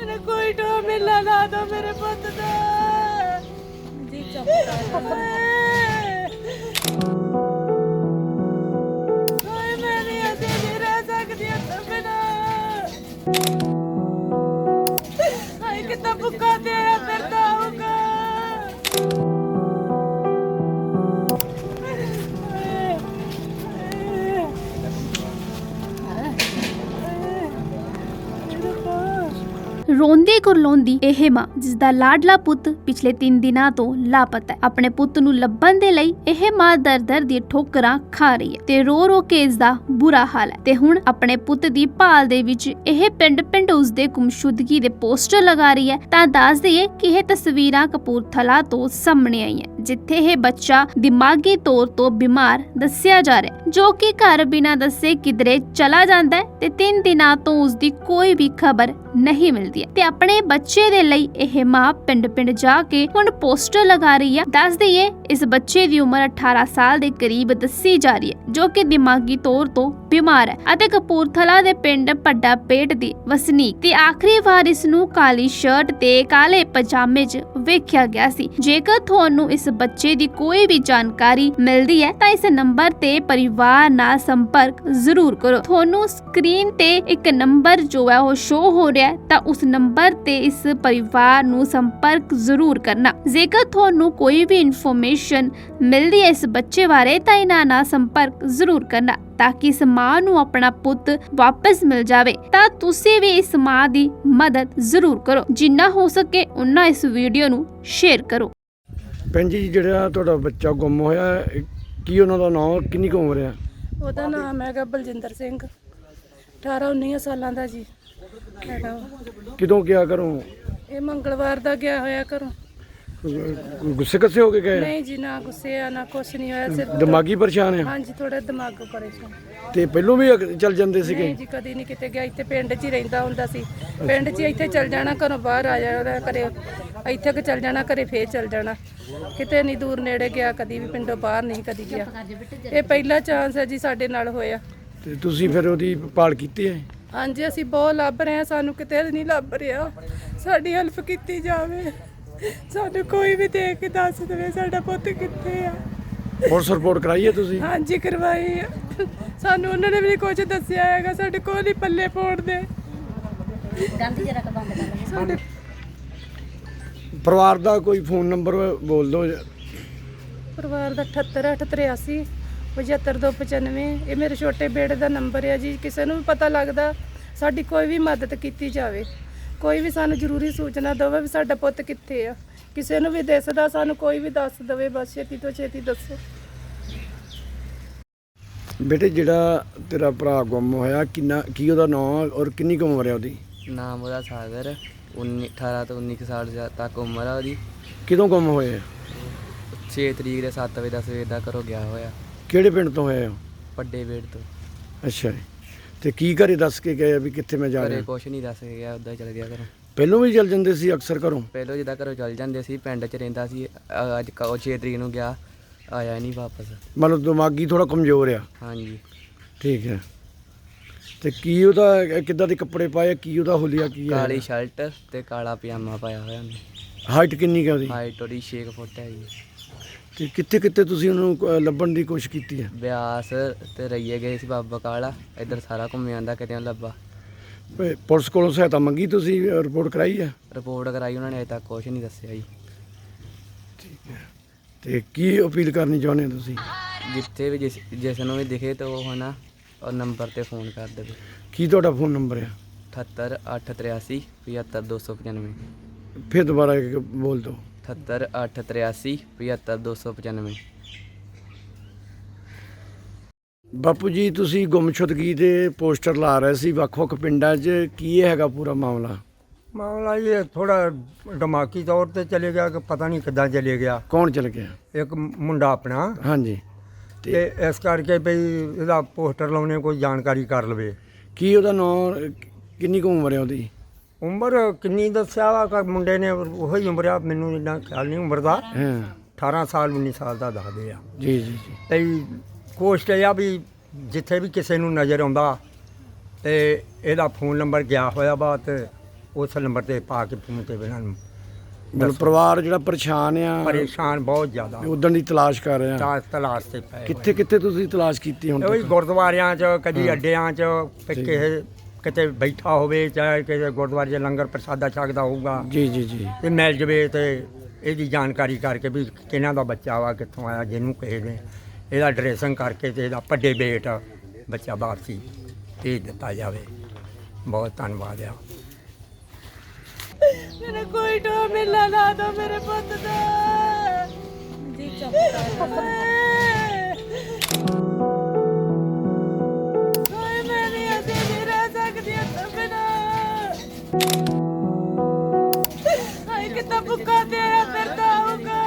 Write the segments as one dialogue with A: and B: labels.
A: मेरा कोई टो मिला ना दो मेरे पुत दा जी कोई मैं नहीं ऐसे नहीं रह सकती तो बिना हाय कितना भूखा तेरा फिरता होगा
B: ਰੋਂਦੀ ਕੁਰਲਾਉਂਦੀ ਇਹ ਮਾਂ ਜਿਸ ਦਾ ਲਾਡਲਾ ਪੁੱਤ ਪਿਛਲੇ 3 ਦਿਨਾਂ ਤੋਂ ਲਾਪਤਾ ਹੈ। ਆਪਣੇ ਪੁੱਤ ਨੂੰ ਲੱਭਣ ਦੇ ਲਈ ਇਹ ਮਾਂ ਦਰ-ਦਰ ਦੀ ਠੋਕਰਾਂ ਖਾ ਰਹੀ ਹੈ ਤੇ ਰੋ ਕੇ ਇਸ ਦਾ ਬੁਰਾ ਹਾਲ ਹੈ ਤੇ ਹੁਣ ਆਪਣੇ ਪੁੱਤ ਦੀ ਭਾਲ ਦੇ ਵਿੱਚ ਇਹ ਪਿੰਡ ਉਸ ਦੇ ਗੁੰਮਸ਼ੁਦਗੀ ਦੇ ਪੋਸਟਰ ਲਗਾ ਰਹੀ ਹੈ। ਤਾਂ ਦੱਸ ਦਈਏ ਕਿ ਇਹ ਤਸਵੀਰਾਂ ਕਪੂਰਥਲਾ ਤੋਂ ਸਾਹਮਣੇ ਆਈਆਂ ਜਿੱਥੇ ਇਹ ਬੱਚਾ ਦਿਮਾਗੀ ਤੌਰ ਤੋਂ ਬਿਮਾਰ ਦੱਸਿਆ ਜਾ ਰਿਹਾ ਜੋ ਕਿ ਘਰ ਬਿਨਾਂ ਦੱਸੇ ਕਿਧਰੇ ਚਲਾ ਜਾਂਦਾ ਹੈ ਤੇ 3 ਦਿਨਾਂ ਤੋਂ ਉਸ ਦੀ ਕੋਈ ਵੀ ਖਬਰ ਨਹੀਂ ਮਿਲਦੀ ਹੈ ਤੇ ਆਪਣੇ ਬੱਚੇ ਦੇ ਲਈ ਇਹ ਮਾਂ ਪਿੰਡ ਜਾ ਕੇ ਹੁਣ ਪੋਸਟਰ ਲਗਾ ਰਹੀ ਹੈ। ਦੱਸ ਦਈਏ ਇਸ ਬੱਚੇ ਦੀ ਉਮਰ 18 ਸਾਲ ਦੇ ਕਰੀਬ ਦੱਸੀ ਜਾ ਰਹੀ ਹੈ ਜੋ ਕਿ ਦਿਮਾਗੀ ਤੌਰ ਤੋਂ ਬਿਮਾਰ ਹੈ ਅਤੇ ਕਪੂਰਥਲਾ ਦੇ ਪਿੰਡ ਭੱਡਾ ਪੇਟ ਦੀ ਵਸਨੀਕ ਤੇ ਆਖਰੀ ਵਾਰ ਇਸ ਨੂੰ ਕਾਲੀ ਸ਼ਰਟ ਤੇ ਕਾਲੇ ਪਜਾਮੇ 'ਚ ਵੇਖਿਆ ਗਿਆ ਸੀ। ਜੇਕਰ ਤੁਹਾਨੂੰ ਇਸ ਬੱਚੇ ਦੀ ਕੋਈ ਵੀ ਜਾਣਕਾਰੀ ਮਿਲਦੀ ਹੈ ਤਾਂ ਇਸ ਨੰਬਰ ਤੇ ਪਰਿਵਾਰ ਨਾਲ ਸੰਪਰਕ ਜ਼ਰੂਰ ਕਰੋ। ਤੁਹਾਨੂੰ ਸਕਰੀਨ ਤੇ ਇੱਕ ਨੰਬਰ ਜੋ ਹੈ ਉਹ ਸ਼ੋ ਹੋ ਰਿਹਾ ਹੈ ਤਾਂ ਉਸ ਨੰਬਰ ਤੇ ਇਸ ਪਰਿਵਾਰ ਨੂੰ ਸੰਪਰਕ ਜ਼ਰੂਰ ਕਰਨਾ। ਜੇਕਰ ਤੁਹਾਨੂੰ ਕੋਈ ਵੀ ਇਨਫੋਰਮੇਸ਼ਨ ਮਿਲਦੀ ਹੈ ਇਸ ਬੱਚੇ ਬਾਰੇ ਤਾਂ ਇਹਨਾਂ ਨਾਲ ਸੰਪਰਕ ਜ਼ਰੂਰ ਕਰਨਾ ਤਾਂ ਕਿ ਇਸ ਮਾਂ ਨੂੰ ਆਪਣਾ ਪੁੱਤ ਵਾਪਸ ਮਿਲ ਜਾਵੇ। ਤਾਂ ਤੁਸੀਂ ਵੀ ਇਸ ਮਾਂ ਦੀ ਮਦਦ ਜ਼ਰੂਰ ਕਰੋ, ਜਿੰਨਾ ਹੋ ਸਕੇ ਉਨਾ ਇਸ ਵੀਡੀਓ ਨੂੰ ਸ਼ੇਅਰ ਕਰੋ।
C: ਭੈਣ ਜੀ ਜਿਹੜਾ ਤੁਹਾਡਾ ਬੱਚਾ ਗੁੰਮ ਹੋਇਆ ਕੀ ਉਹਨਾਂ ਦਾ ਨਾਮ ਕਿੰਨੀ ਕੁ ਉਮਰ ਹੈ?
A: ਉਹਦਾ ਨਾਮ ਹੈਗਾ ਬਲਜਿੰਦਰ ਸਿੰਘ 18-19 ਸਾਲਾਂ ਦਾ ਜੀ ਹੈਗਾ ਵਾ।
C: ਕਿਦੋਂ ਗਿਆ ਘਰੋਂ?
A: ਇਹ ਮੰਗਲਵਾਰ ਦਾ ਗਿਆ ਹੋਇਆ ਘਰੋਂ।
C: ਗੁੱਸੇ ਕੱਸੇ ਹੋ ਕੇ ਗਏ?
A: ਨਹੀਂ ਜੀ ਨਾ ਗੁੱਸੇ ਆ ਨਾ ਕੁਛ ਨਹੀਂ ਹੋਇਆ ਸਿਰਫ
C: ਦਿਮਾਗੀ ਪਰੇਸ਼ਾਨ ਆ?
A: ਹਾਂਜੀ ਥੋੜਾ ਦਿਮਾਗ ਪਰੇਸ਼ਾਨ।
C: ਤੇ ਪਹਿਲੋਂ ਵੀ ਚੱਲ ਜਾਂਦੇ ਸੀਗੇ?
A: ਨਹੀਂ ਜੀ ਕਦੀ ਨਹੀਂ ਕਿਤੇ ਗਿਆ, ਇੱਥੇ ਪਿੰਡ 'ਚ ਹੀ ਰਹਿੰਦਾ ਹੁੰਦਾ ਸੀ। ਪਿੰਡ 'ਚ ਇੱਥੇ ਚੱਲ ਜਾਣਾ, ਘਰੋਂ ਬਾਹਰ ਆ ਜਾਣਾ, ਘਰੇ ਇੱਥੇ ਕਿ ਚੱਲ ਜਾਣਾ, ਘਰੇ ਫੇਰ ਚੱਲ ਜਾਣਾ। ਕਿਤੇ ਨਹੀਂ ਦੂਰ ਨੇੜੇ ਗਿਆ, ਕਦੀ ਵੀ ਪਿੰਡੋਂ ਬਾਹਰ ਨਹੀਂ ਕਦੀ ਗਿਆ। ਇਹ ਪਹਿਲਾ ਚਾਂਸ ਹੈ ਜੀ ਸਾਡੇ ਨਾਲ ਹੋਇਆ।
C: ਤੇ ਤੁਸੀਂ ਫਿਰ ਉਹਦੀ ਭਾਲ ਕੀਤੀ ਹੈ?
A: ਹਾਂਜੀ ਅਸੀਂ ਬਹੁਤ ਲੱਭ ਰਹੇ ਹਾਂ, ਸਾਨੂੰ ਕਿਤੇ ਨਹੀਂ ਲੱਭ ਰਿਹਾ। ਸਾਡੀ ਹੈਲਪ ਕੀਤੀ ਜਾਵੇ, ਸਾਨੂੰ ਕੋਈ ਵੀ ਦੇਖ ਕੇ ਦੱਸ ਦੇਵੇ ਸਾਡਾ ਪੁੱਤ ਕਿੱਥੇ ਆ।
C: ਪੁਲਿਸ ਰਿਪੋਰਟ ਕਰਾਈ ਹੈ ਤੁਸੀਂ?
A: ਹਾਂਜੀ ਕਰਵਾਈ ਆ। ਸਾਨੂੰ ਉਹਨਾਂ ਨੇ ਵੀ ਕੁਝ ਦੱਸਿਆ ਹੈਗਾ, ਸਾਡੇ ਕੋਲ ਹੀ ਪੱਲੇ ਪਾਉਣ ਦੇ। ਸਾਡੇ
C: ਪਰਿਵਾਰ ਦਾ ਕੋਈ ਫੋਨ ਨੰਬਰ ਬੋਲ ਦਿਓ।
A: ਪਰਿਵਾਰ ਦਾ 7883 75295। ਇਹ ਮੇਰੇ ਛੋਟੇ ਬੇੜੇ ਦਾ ਨੰਬਰ ਹੈ ਜੀ। ਕਿਸੇ ਨੂੰ ਵੀ ਪਤਾ ਲੱਗਦਾ ਸਾਡੀ ਕੋਈ ਵੀ ਮਦਦ ਕੀਤੀ ਜਾਵੇ, ਕੋਈ ਵੀ ਸਾਨੂੰ ਜ਼ਰੂਰੀ ਸੂਚਨਾ ਦੇਵੇ ਵੀ ਸਾਡਾ ਪੁੱਤ ਕਿੱਥੇ ਆ। ਕਿਸੇ ਨੂੰ ਵੀ ਦਿਸਦਾ ਸਾਨੂੰ ਕੋਈ ਵੀ ਦੱਸ ਦੇਵੇ, ਬਸ ਛੇਤੀ ਤੋਂ ਛੇਤੀ ਦੱਸੋ।
C: ਬੇਟੇ ਜਿਹੜਾ ਤੇਰਾ ਭਰਾ ਗੁੰਮ ਹੋਇਆ ਕੀ ਉਹਦਾ ਨਾਮ ਔਰ ਕਿੰਨੀ ਕੁ ਉਮਰ ਹੈ ਉਹਦੀ?
D: ਨਾਮ ਉਹਦਾ ਸਾਗਰ 18 ਤੋਂ 19 ਸਾਲ ਤੱਕ ਉਮਰ ਆ ਉਹਦੀ।
C: ਕਿਦੋਂ ਗੁੰਮ ਹੋਏ?
D: 6 ਤਰੀਕ ਦੇ 7 ਵਜੇ ਦਾ ਸਵੇਰ ਦਾ ਘਰੋਂ ਗਿਆ ਹੋਇਆ।
C: ਕਿਹੜੇ ਪਿੰਡ ਤੋਂ ਹੋਏ ਹੋ?
D: ਵੱਡੇ ਵੇੜ ਤੋਂ।
C: ਅੱਛਾ ਜੀ। ਤੇ ਕੀ ਘਰੇ ਦੱਸ ਕੇ ਗਏ ਵੀ ਕਿੱਥੇ ਮੈਂ ਜਾ
D: ਘਰੇ
C: ਰਿਹਾ?
D: ਕੁਛ ਨਹੀਂ ਦੱਸ ਕੇ ਗਿਆ, ਉੱਦਾਂ ਹੀ ਚਲ ਗਿਆ ਘਰੋਂ।
C: ਪਹਿਲੋਂ ਵੀ ਚੱਲ ਜਾਂਦੇ ਸੀ ਅਕਸਰ ਘਰੋਂ?
D: ਪਹਿਲੋਂ ਜਿੱਦਾਂ ਘਰੋਂ ਚੱਲ ਜਾਂਦੇ ਸੀ, ਪਿੰਡ 'ਚ ਰਹਿੰਦਾ ਸੀ। ਅੱਜ 6 ਤਰੀਕ ਨੂੰ ਗਿਆ, ਆਇਆ ਨਹੀਂ ਵਾਪਸ।
C: ਮਤਲਬ ਦਿਮਾਗੀ ਥੋੜਾ ਕਮਜ਼ੋਰ ਆ?
D: ਹਾਂਜੀ।
C: ਠੀਕ ਹੈ। ਤੇ ਕੀ ਉਹਦਾ ਕਿੱਦਾਂ ਦੇ ਕੱਪੜੇ ਪਾਏ, ਕੀ ਉਹਦਾ ਹੁਲੀਆ ਕੀ ਹੈ?
D: ਕਾਲੀ ਸ਼ਰਟ ਤੇ ਕਾਲਾ ਪਜਾਮਾ ਪਾਇਆ ਹੋਇਆ ਉਹਨੇ।
C: ਹਾਈਟ ਕਿੰਨੀ ਹੈ ਉਹਦੀ?
D: ਹਾਈਟ ਉਹਦੀ 6 ਫੁੱਟ ਹੈ ਜੀ।
C: ਤੇ ਕਿੱਥੇ ਤੁਸੀਂ ਉਹਨੂੰ ਲੱਭਣ ਦੀ ਕੋਸ਼ਿਸ਼ ਕੀਤੀ ਹੈ?
D: ਬਿਆਸ ਤੇ ਰਈਏ ਗਏ ਸੀ, ਬਾਬਾ ਕਾਲਾ ਇੱਧਰ ਸਾਰਾ ਘੁੰਮ ਜਾਂਦਾ, ਕਿਤੇ ਲੱਭਾ।
C: ਪੁਲਿਸ ਕੋਲੋਂ ਸਹਾਇਤਾ ਮੰਗੀ ਤੁਸੀਂ? ਰਿਪੋਰਟ ਕਰਾਈ ਹੈ?
D: ਰਿਪੋਰਟ ਕਰਾਈ ਉਹਨਾਂ ਨੇ, ਅਜੇ ਤੱਕ ਕੁਛ ਨਹੀਂ ਦੱਸਿਆ ਜੀ।
C: ਠੀਕ ਹੈ। ਤੇ ਕੀ ਅਪੀਲ ਕਰਨੀ ਚਾਹੁੰਦੇ ਹੋ ਤੁਸੀਂ?
D: ਜਿੱਥੇ ਵੀ ਜਿਸ ਨੂੰ ਵੀ ਦਿਖੇ ਤਾਂ ਉਹ ਹੈ ਨਾ ਉਹ ਨੰਬਰ ਤੇ ਫੋਨ ਕਰ ਦੇਵੇ।
C: ਕੀ ਤੁਹਾਡਾ ਫੋਨ ਨੰਬਰ ਹੈ?
D: 78883 75295।
C: ਫਿਰ ਦੁਬਾਰਾ ਬੋਲ ਦਿਓ।
D: 78883 75295।
C: ਬਾਪੂ ਜੀ ਤੁਸੀਂ ਗੁੰਮਸ਼ੁਦਗੀ ਦੇ ਪੋਸਟਰ ਲਾ ਰਹੇ ਸੀ ਵੱਖ-ਵੱਖ ਪਿੰਡਾਂ 'ਚ, ਕੀ ਇਹ ਹੈਗਾ ਪੂਰਾ ਮਾਮਲਾ?
E: ਮਾਮਲਾ ਇਹ ਥੋੜਾ ਦਿਮਾਗੀ ਤੌਰ ਤੇ ਚਲੇ ਗਿਆ ਕਿ ਪਤਾ ਨਹੀਂ ਕਿੱਦਾਂ ਚਲੇ ਗਿਆ।
C: ਕੌਣ ਚਲ ਗਿਆ?
E: ਇੱਕ ਮੁੰਡਾ ਆਪਣਾ।
C: ਹਾਂਜੀ।
E: ਤੇ ਇਸ ਕਰਕੇ ਵੀ ਇਹਦਾ ਪੋਸਟਰ ਲਾਉਣੇ ਕੋਈ ਜਾਣਕਾਰੀ ਕਰ ਲਵੇ।
C: ਕੀ ਉਹਦਾ ਨਾਂ ਕਿੰਨੀ ਕੁ ਉਮਰ ਹੈ ਉਹਦੀ?
E: ਉਮਰ ਕਿੰਨੀ ਦੱਸਿਆ ਵਾ ਕਿ ਮੁੰਡੇ ਨੇ ਉਹੀ ਉਮਰ ਆ, ਮੈਨੂੰ ਇੰਨਾ ਖਿਆਲ ਨਹੀਂ ਉਮਰ ਦਾ।
C: ਹਾਂ
E: 18 ਸਾਲ 19 ਸਾਲ ਦਾ ਦੱਸਦੇ ਆ।
C: ਜੀ ਜੀ ਜੀ।
E: ਤੇ ਕੋਸ਼ਟ ਇਹ ਆ ਵੀ ਜਿੱਥੇ ਵੀ ਕਿਸੇ ਨੂੰ ਨਜ਼ਰ ਆਉਂਦਾ ਤੇ ਇਹਦਾ ਫੋਨ ਨੰਬਰ ਗਿਆ ਹੋਇਆ ਵਾ ਤੇ ਉਸ ਨੰਬਰ ਤੇ ਪਾ ਕੇ ਫੋਨ ਤੇ ਇਹਨਾਂ ਨੂੰ
C: ਮਤਲਬ ਪਰਿਵਾਰ ਜਿਹੜਾ ਪਰੇਸ਼ਾਨ ਆ
E: ਪਰੇਸ਼ਾਨ ਬਹੁਤ ਜ਼ਿਆਦਾ
C: ਉਦਣ ਦੀ ਤਲਾਸ਼ ਕਰ ਰਿਹਾ
E: ਤਲਾਸ਼ ਤੇ ਪਏ
C: ਕਿੱਥੇ ਕਿੱਥੇ ਤੁਸੀਂ ਤਲਾਸ਼ ਕੀਤੀ ਹੁਣ
E: ਉਹੀ
C: ਤੱਕ?
E: ਗੁਰਦੁਆਰਿਆਂ 'ਚ ਕਦੀ ਅੱਡਿਆਂ 'ਚ ਤੇ ਕਿਸੇ ਕਿਤੇ ਬੈਠਾ ਹੋਵੇ ਚਾਹੇ ਕਿਸੇ ਗੁਰਦੁਆਰੇ 'ਚ ਲੰਗਰ ਪ੍ਰਸਾਦਾ ਛਕਦਾ ਹੋਊਗਾ
C: ਜੀ ਜੀ ਜੀ
E: ਤੇ ਮਿਲ ਜਵੇ ਤੇ ਇਹਦੀ ਜਾਣਕਾਰੀ ਕਰਕੇ ਵੀ ਕਿਹਨਾਂ ਦਾ ਬੱਚਾ ਵਾ ਕਿੱਥੋਂ ਆਇਆ ਜਿਹਨੂੰ ਕਿਸੇ ਨੇ ਇਹਦਾ ਡਰੈਸਿੰਗ ਕਰਕੇ ਤੇ ਇਹਦਾ ਵੱਡੇ ਬੇਟ ਬੱਚਾ ਵਾਪਸੀ ਭੇਜ ਦਿੱਤਾ ਜਾਵੇ। ਬਹੁਤ ਧੰਨਵਾਦ ਆ।
A: मेरा कोई डो मिला ना दो मेरे पुत दा जी चुप कोई मैं नहीं ऐसे नहीं रह सकती तो बिना हाय कितना भूखा तेरा फिरता होगा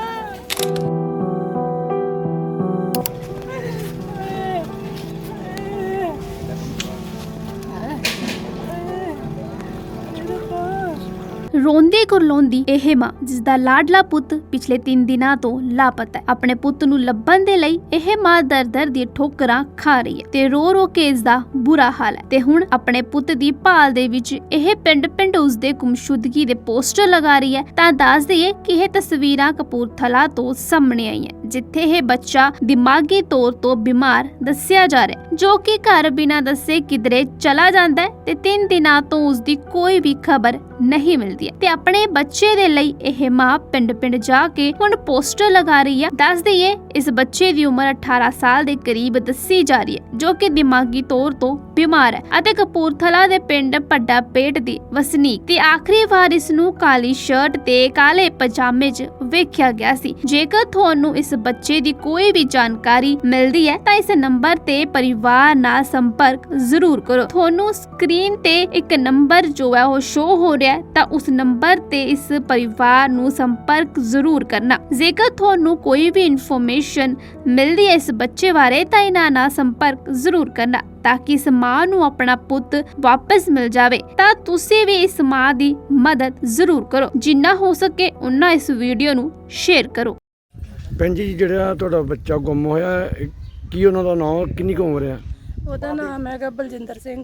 B: ਰੋਂਦੀ ਕੁਰਲਾਉਂਦੀ ਇਹ ਮਾਂ ਜਿਸ ਦਾ ਲਾਡਲਾ ਪੁੱਤ ਪਿਛਲੇ 3 ਦਿਨਾਂ ਤੋਂ ਲਾਪਤਾ ਹੈ। ਆਪਣੇ ਪੁੱਤ ਨੂੰ ਲੱਭਣ ਦੇ ਲਈ ਇਹ ਮਾਂ ਦਰ-ਦਰ ਦੀਆਂ ਠੋਕਰਾਂ ਖਾ ਰਹੀ ਹੈ ਤੇ ਰੋ-ਰੋ ਕੇ ਇਸ ਦਾ ਬੁਰਾ ਹਾਲ ਹੈ ਤੇ ਹੁਣ ਆਪਣੇ ਪੁੱਤ ਦੀ ਭਾਲ ਦੇ ਵਿੱਚ ਇਹ ਪਿੰਡ-ਪਿੰਡ ਉਸਦੇ ਗੁੰਮਸ਼ੁਦਗੀ ਦੇ ਪੋਸਟਰ ਲਗਾ ਰਹੀ ਹੈ। ਤਾਂ ਦੱਸ ਦਈਏ ਕਿ ਇਹ ਤਸਵੀਰਾਂ ਕਪੂਰਥਲਾ ਤੋਂ ਸਾਹਮਣੇ ਆਈਆਂ ਜਿੱਥੇ ਇਹ ਬੱਚਾ ਦਿਮਾਗੀ ਤੌਰ ਤੋਂ ਬਿਮਾਰ ਦੱਸਿਆ ਜਾ ਰਿਹਾ ਹੈ ਜੋ ਕਿ ਘਰ ਬਿਨਾਂ ਦੱਸੇ ਕਿਧਰੇ ਚਲਾ ਜਾਂਦਾ ਹੈ ਤੇ 3 ਦਿਨਾਂ ਤੋਂ ਉਸਦੀ ਕੋਈ ਵੀ ਖਬਰ ਨਹੀਂ ਮਿਲਦੀ ਤੇ ਆਪਣੇ ਬੱਚੇ ਦੇ ਲਈ ਇਹ ਮਾਂ ਪਿੰਡ-ਪਿੰਡ ਜਾ ਕੇ ਹੁਣ ਪੋਸਟਰ ਲਗਾ ਰਹੀ ਹੈ। ਦੱਸ ਦਈਏ ਇਸ ਬੱਚੇ ਦੀ ਉਮਰ 18 ਸਾਲ ਦੇ ਕਰੀਬ ਦੱਸੀ ਜਾ ਰਹੀ ਹੈ ਜੋ ਕਿ ਦਿਮਾਗੀ ਤੌਰ ਤੋਂ ਬਿਮਾਰ ਹੈ ਅਤੇ ਕਪੂਰਥਲਾ ਦੇ ਪਿੰਡ ਭੱਡਾ ਪੇਟ ਦੀ ਵਸਨੀਕ ਤੇ ਆਖਰੀ ਵਾਰ ਇਸ ਨੂੰ ਕਾਲੀ ਸ਼ਰਟ ਤੇ ਕਾਲੇ ਪਜਾਮੇ 'ਚ ਵੇਖਿਆ ਗਿਆ ਸੀ। ਜੇਕਰ ਤੁਹਾਨੂੰ ਇਸ ਬੱਚੇ ਦੀ ਕੋਈ ਵੀ ਜਾਣਕਾਰੀ ਮਿਲਦੀ ਹੈ ਤਾਂ ਇਸ ਨੰਬਰ ਤੇ ਪਰਿਵਾਰ ਨਾਲ ਸੰਪਰਕ ਜ਼ਰੂਰ ਕਰੋ। ਤੁਹਾਨੂੰ ਸਕਰੀਨ ਤੇ ਇੱਕ ਨੰਬਰ ਜੋ ਹੈ ਉਹ ਸ਼ੋ ਹੋ ਰਿਹਾ ਹੈ ਤਾਂ ਉਸ ਨੰਬਰ ਤੇ ਇਸ ਪਰਿਵਾਰ ਨੂੰ ਸੰਪਰਕ ਜ਼ਰੂਰ ਕਰਨਾ। ਜੇਕਰ ਤੁਹਾਨੂੰ ਕੋਈ ਵੀ ਇਨਫੋਰਮੇਸ਼ਨ ਮਿਲਦੀ ਹੈ ਇਸ ਬੱਚੇ ਬਾਰੇ ਤਾਂ ਇਹਨਾਂ ਨਾਲ ਸੰਪਰਕ ਜ਼ਰੂਰ ਕਰਨਾ ਤਾਂ ਕਿ ਇਸ ਮਾਂ ਨੂੰ ਆਪਣਾ ਪੁੱਤ ਵਾਪਸ ਮਿਲ ਜਾਵੇ। ਤਾਂ ਤੁਸੀਂ ਵੀ ਇਸ ਮਾਂ ਦੀ ਮਦਦ ਜ਼ਰੂਰ ਕਰੋ, ਜਿੰਨਾ ਹੋ ਸਕੇ ਉਨਾ ਇਸ ਵੀਡੀਓ ਨੂੰ ਸ਼ੇਅਰ ਕਰੋ।
C: ਭੈਣ ਜੀ ਜਿਹੜਾ ਤੁਹਾਡਾ ਬੱਚਾ ਗੁੰਮ ਹੋਇਆ ਕੀ ਉਹਨਾਂ ਦਾ ਨਾਮ ਕਿੰਨੀ ਕੁ ਉਮਰ ਆ?
A: ਉਹਦਾ ਨਾਮ ਹੈਗਾ ਬਲਜਿੰਦਰ ਸਿੰਘ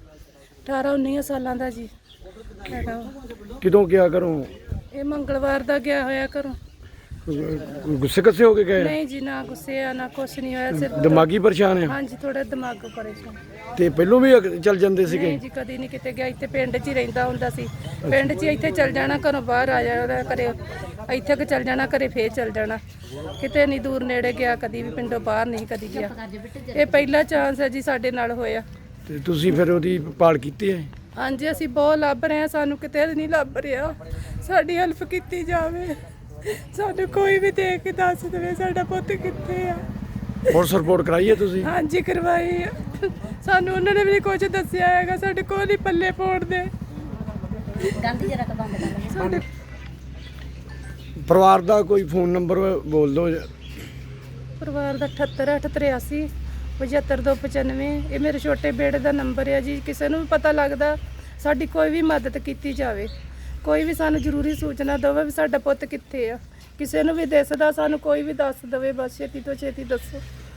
A: 18-19 ਸਾਲਾਂ ਦਾ ਜੀ ਹੈਗਾ ਉਹ।
C: ਕਿਦੋਂ ਗਿਆ ਘਰੋਂ?
A: ਇਹ ਮੰਗਲਵਾਰ ਦਾ ਗਿਆ ਹੋਇਆ ਘਰੋਂ।
C: ਗੁੱਸੇ ਕੱਸੇ ਹੋ ਕੇ ਗਏ?
A: ਨਹੀਂ ਜੀ ਨਾ ਗੁੱਸੇ ਆ ਨਾ ਕੁਛ ਨਹੀਂ ਹੋਇਆ ਸਿਰਫ
C: ਦਿਮਾਗੀ ਪਰੇਸ਼ਾਨ ਆ?
A: ਹਾਂਜੀ ਥੋੜਾ ਦਿਮਾਗ ਪਰੇਸ਼ਾਨ।
C: ਤੇ ਪਹਿਲੋਂ ਵੀ ਚੱਲ ਜਾਂਦੇ ਸੀਗੇ?
A: ਨਹੀਂ ਜੀ ਕਦੀ ਨਹੀਂ ਕਿਤੇ ਗਿਆ, ਇੱਥੇ ਪਿੰਡ 'ਚ ਹੀ ਰਹਿੰਦਾ ਹੁੰਦਾ ਸੀ। ਪਿੰਡ 'ਚ ਹੀ ਇੱਥੇ ਚੱਲ ਜਾਣਾ, ਘਰੋਂ ਬਾਹਰ ਆ ਜਾਣਾ ਘਰੇ, ਇੱਥੇ ਕਿ ਚੱਲ ਜਾਣਾ ਘਰੇ, ਫੇਰ ਚੱਲ ਜਾਣਾ। ਕਿਤੇ ਨਹੀਂ ਦੂਰ ਨੇੜੇ ਗਿਆ, ਕਦੀ ਵੀ ਪਿੰਡੋਂ ਬਾਹਰ ਨਹੀਂ ਕਦੀ ਗਿਆ। ਇਹ ਪਹਿਲਾ ਚਾਂਸ ਹੈ ਜੀ ਸਾਡੇ ਨਾਲ ਹੋਇਆ।
C: ਤੇ ਤੁਸੀਂ ਫਿਰ ਉਹਦੀ ਭਾਲ ਕੀਤੀ ਹੈ?
A: ਹਾਂਜੀ ਅਸੀਂ ਬਹੁਤ ਲੱਭ ਰਹੇ ਹਾਂ, ਸਾਨੂੰ ਕਿਤੇ ਨਹੀਂ ਲੱਭ ਰਿਹਾ। ਸਾਡੀ ਹੈਲਪ ਕੀਤੀ ਜਾਵੇ, ਸਾਨੂੰ ਕੋਈ ਵੀ ਦੇਖ ਕੇ ਦੱਸ ਦੇਵੇ ਸਾਡਾ ਪੁੱਤ ਕਿੱਥੇ ਆ।
C: ਪੁਲਿਸ ਰਿਪੋਰਟ ਕਰਾਈ ਹੈ ਤੁਸੀਂ?
A: ਹਾਂਜੀ ਕਰਵਾਈ ਆ। ਸਾਨੂੰ ਉਹਨਾਂ ਨੇ ਵੀ ਕੁਝ ਦੱਸਿਆ ਹੈਗਾ, ਸਾਡੇ ਕੋਲ ਹੀ ਪੱਲੇ ਪਾਉਣ ਦੇ। ਸਾਡੇ
C: ਪਰਿਵਾਰ ਦਾ ਕੋਈ ਫੋਨ ਨੰਬਰ ਬੋਲ ਦਿਓ।
A: ਪਰਿਵਾਰ ਦਾ 78 883 ਇਹ ਮੇਰੇ ਛੋਟੇ ਬੇੜੇ ਦਾ ਨੰਬਰ ਹੈ ਜੀ। ਕਿਸੇ ਨੂੰ ਵੀ ਪਤਾ ਲੱਗਦਾ ਸਾਡੀ ਕੋਈ ਵੀ ਮਦਦ ਕੀਤੀ ਜਾਵੇ, ਕੋਈ ਵੀ ਸਾਨੂੰ ਜ਼ਰੂਰੀ ਸੂਚਨਾ ਦੇਵੇ ਵੀ ਸਾਡਾ ਪੁੱਤ ਕਿੱਥੇ ਆ। ਕਿਸੇ ਨੂੰ ਵੀ ਦਿਸਦਾ ਸਾਨੂੰ ਕੋਈ ਵੀ ਦੱਸ ਦੇਵੇ, ਬਸ ਛੇਤੀ ਤੋਂ ਛੇਤੀ ਦੱਸੋ।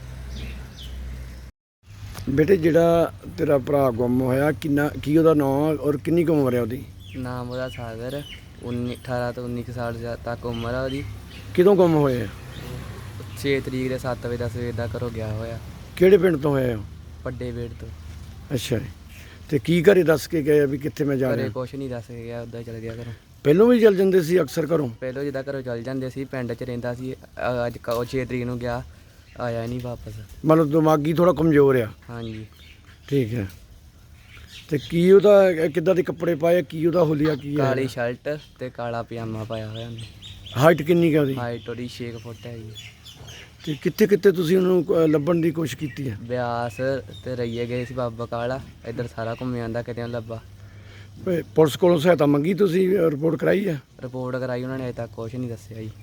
C: ਬੇਟੇ ਜਿਹੜਾ ਤੇਰਾ ਭਰਾ ਗੁੰਮ ਹੋਇਆ ਕੀ ਉਹਦਾ ਨਾਮ ਔਰ ਕਿੰਨੀ ਕੁ ਉਮਰ ਹੈ ਉਹਦੀ?
D: ਨਾਮ ਉਹਦਾ ਸਾਗਰ 18 ਤੋਂ 19 ਸਾਲ ਤੱਕ ਉਮਰ ਆ ਉਹਦੀ।
C: ਕਿਦੋਂ ਗੁੰਮ ਹੋਏ?
D: 6 ਤਰੀਕ ਦੇ 7 ਵਜੇ ਦਾ ਸਵੇਰ ਦਾ ਘਰੋਂ ਗਿਆ ਹੋਇਆ,
C: ਕਿਹੜੇ ਪਿੰਡ ਤੋਂ ਹੋਏ ਹੋ?
D: ਵੱਡੇ ਵੇੜ ਤੋਂ।
C: ਅੱਛਾ ਜੀ। ਤੇ ਕੀ ਘਰੇ ਦੱਸ ਕੇ ਗਏ ਵੀ ਕਿੱਥੇ ਮੈਂ ਜਾ
D: ਘਰੇ
C: ਰਿਹਾ?
D: ਕੁਛ ਨਹੀਂ ਦੱਸ ਕੇ ਗਿਆ, ਉੱਦਾਂ ਚਲ ਗਿਆ ਘਰੋਂ।
C: ਪਹਿਲੋਂ ਵੀ ਚੱਲ ਜਾਂਦੇ ਸੀ ਅਕਸਰ ਘਰੋਂ?
D: ਪਹਿਲੋਂ ਜਿੱਦਾਂ ਘਰੋਂ ਚੱਲ ਜਾਂਦੇ ਸੀ, ਪਿੰਡ 'ਚ ਰਹਿੰਦਾ ਸੀ। ਅੱਜ 6 ਤਰੀਕ ਨੂੰ ਗਿਆ, ਆਇਆ ਨਹੀਂ ਵਾਪਸ।
C: ਮਤਲਬ ਦਿਮਾਗੀ ਥੋੜਾ ਕਮਜ਼ੋਰ ਆ?
D: ਹਾਂਜੀ।
C: ਠੀਕ ਹੈ। ਤੇ ਕੀ ਉਹਦਾ ਕਿੱਦਾਂ ਦੇ ਕੱਪੜੇ ਪਾਏ, ਕੀ ਉਹਦਾ ਹੁਲੀਆ ਕੀ ਹੈ?
D: ਕਾਲੀ ਸ਼ਰਟ ਤੇ ਕਾਲਾ ਪਜਾਮਾ ਪਾਇਆ ਹੋਇਆ ਉਹਨੇ।
C: ਹਾਈਟ ਕਿੰਨੀ ਕੁ ਹੈ ਉਹਦੀ?
D: ਹਾਈਟ ਉਹਦੀ 6 ਫੁੱਟ ਹੈਗੀ।
C: ਤੇ ਕਿੱਥੇ ਕਿੱਥੇ ਤੁਸੀਂ ਉਹਨੂੰ ਲੱਭਣ ਦੀ ਕੋਸ਼ਿਸ਼ ਕੀਤੀ ਹੈ?
D: ਬਿਆਸ ਤੇ ਰਈਏ ਗਏ ਸੀ, ਬਾਬਾ ਕਾਲਾ, ਇੱਧਰ ਸਾਰਾ ਘੁੰਮਿਆ ਆਂਦਾ, ਕਿਤੇ ਨੀ ਲੱਭਾ।
C: ਪੁਲਿਸ ਕੋਲੋਂ ਸਹਾਇਤਾ ਮੰਗੀ, ਤੁਸੀਂ ਰਿਪੋਰਟ ਕਰਾਈ ਹੈ?
D: ਰਿਪੋਰਟ ਕਰਾਈ, ਉਹਨਾਂ ਨੇ ਅਜੇ ਤੱਕ ਕੁਛ ਨਹੀਂ ਦੱਸਿਆ ਜੀ।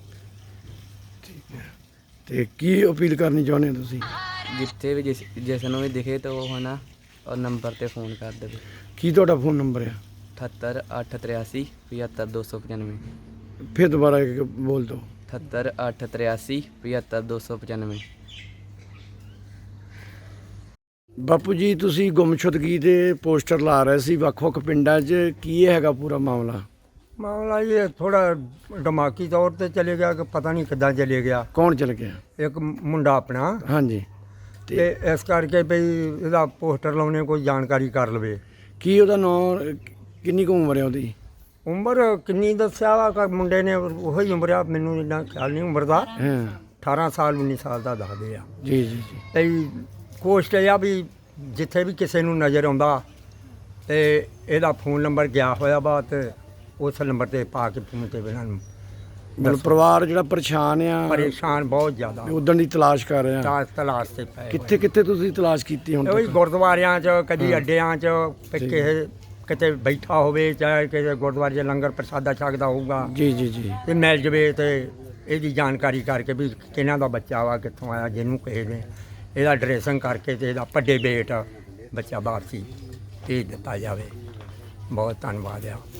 C: ਤੇ ਕੀ ਅਪੀਲ ਕਰਨੀ ਚਾਹੁੰਦੇ ਹੋ ਤੁਸੀਂ?
D: ਜਿੱਥੇ ਵੀ ਜਿਸ ਨੂੰ ਵੀ ਦਿਖੇ ਤਾਂ ਉਹ ਹਨਾ ਉਹ ਨੰਬਰ ਤੇ ਫੋਨ ਕਰ ਦੇਵੇ।
C: ਕੀ ਤੁਹਾਡਾ ਫੋਨ ਨੰਬਰ ਹੈ?
D: 78 883 75 295।
C: ਫਿਰ ਦੁਬਾਰਾ ਬੋਲ ਦਿਓ।
D: 78 883 75 295।
C: ਬਾਪੂ ਜੀ ਤੁਸੀਂ ਗੁੰਮਸ਼ੁਦਗੀ ਦੇ ਪੋਸਟਰ ਲਾ ਰਹੇ ਸੀ ਵੱਖ-ਵੱਖ ਪਿੰਡਾਂ 'ਚ, ਕੀ ਇਹ ਹੈਗਾ ਪੂਰਾ ਮਾਮਲਾ?
E: ਮਾਮਲਾ ਇਹ ਥੋੜਾ ਦਿਮਾਗੀ ਤੌਰ ਤੇ ਚਲੇ ਗਿਆ ਕਿ ਪਤਾ ਨਹੀਂ ਕਿੱਦਾਂ ਚਲੇ ਗਿਆ।
C: ਕੌਣ ਚਲ ਗਿਆ?
E: ਇੱਕ ਮੁੰਡਾ ਆਪਣਾ,
C: ਹਾਂਜੀ,
E: ਤੇ ਇਸ ਕਰਕੇ ਵੀ ਇਹਦਾ ਪੋਸਟਰ ਲਾਉਣੇ ਕੋਈ ਜਾਣਕਾਰੀ ਕਰ ਲਵੇ।
C: ਕੀ ਉਹਦਾ ਨਾਂ, ਕਿੰਨੀ ਕੁ ਉਮਰ ਹੈ ਉਹਦੀ?
E: ਉਮਰ ਕਿੰਨੀ ਦੱਸਿਆ ਵਾ ਕਿ ਮੁੰਡੇ ਨੇ ਉਹੀ ਉਮਰ ਆ, ਮੈਨੂੰ ਇੰਨਾ ਖਿਆਲ ਨਹੀਂ ਉਮਰ ਦਾ।
C: ਹਾਂ
E: 18 ਸਾਲ 19 ਸਾਲ ਦਾ ਦੱਸਦੇ ਆ।
C: ਜੀ ਜੀ ਜੀ।
E: ਤੇ ਕੋਸ਼ਟ ਇਹ ਆ ਵੀ ਜਿੱਥੇ ਵੀ ਕਿਸੇ ਨੂੰ ਨਜ਼ਰ ਆਉਂਦਾ ਤੇ ਇਹਦਾ ਫੋਨ ਨੰਬਰ ਗਿਆ ਹੋਇਆ ਵਾ, ਤੇ ਉਸ ਨੰਬਰ ਤੇ ਪਾ ਕੇ ਫੋਨ ਤੇ ਇਹਨਾਂ ਨੂੰ
C: ਮਤਲਬ ਪਰਿਵਾਰ ਜਿਹੜਾ ਪਰੇਸ਼ਾਨ ਆ,
E: ਪਰੇਸ਼ਾਨ ਬਹੁਤ ਜ਼ਿਆਦਾ
C: ਉਦਣ ਦੀ ਤਲਾਸ਼ ਕਰ ਰਹੇ ਆ।
E: ਤਲਾਸ਼ ਤੇ ਪਏ
C: ਕਿੱਥੇ ਕਿੱਥੇ ਤੁਸੀਂ ਤਲਾਸ਼ ਕੀਤੀ ਹੁਣ
E: ਉਹੀ
C: ਤੱਕ?
E: ਗੁਰਦੁਆਰਿਆਂ 'ਚ, ਕਦੀ ਅੱਡਿਆਂ 'ਚ, ਕਿਸੇ ਕਿਤੇ ਬੈਠਾ ਹੋਵੇ, ਚਾਹੇ ਕਿਸੇ ਗੁਰਦੁਆਰੇ 'ਚ ਲੰਗਰ ਪ੍ਰਸ਼ਾਦਾ ਛਕਦਾ ਹੋਊਗਾ
C: ਜੀ ਜੀ ਜੀ।
E: ਤੇ ਮਿਲ ਜਵੇ, ਤੇ ਇਹਦੀ ਜਾਣਕਾਰੀ ਕਰਕੇ ਵੀ ਕਿਹਨਾਂ ਦਾ ਬੱਚਾ ਵਾ, ਕਿੱਥੋਂ ਆਇਆ, ਜਿਹਨੂੰ ਕਿਸੇ ਨੇ ਇਹਦਾ ਡਰੈਸਿੰਗ ਕਰਕੇ ਤੇ ਇਹਦਾ ਵੱਡੇ ਬੇਟ ਬੱਚਾ ਬਾਹਰ ਸੀ ਭੇਜ ਦਿੱਤਾ ਜਾਵੇ। ਬਹੁਤ ਧੰਨਵਾਦ ਆ।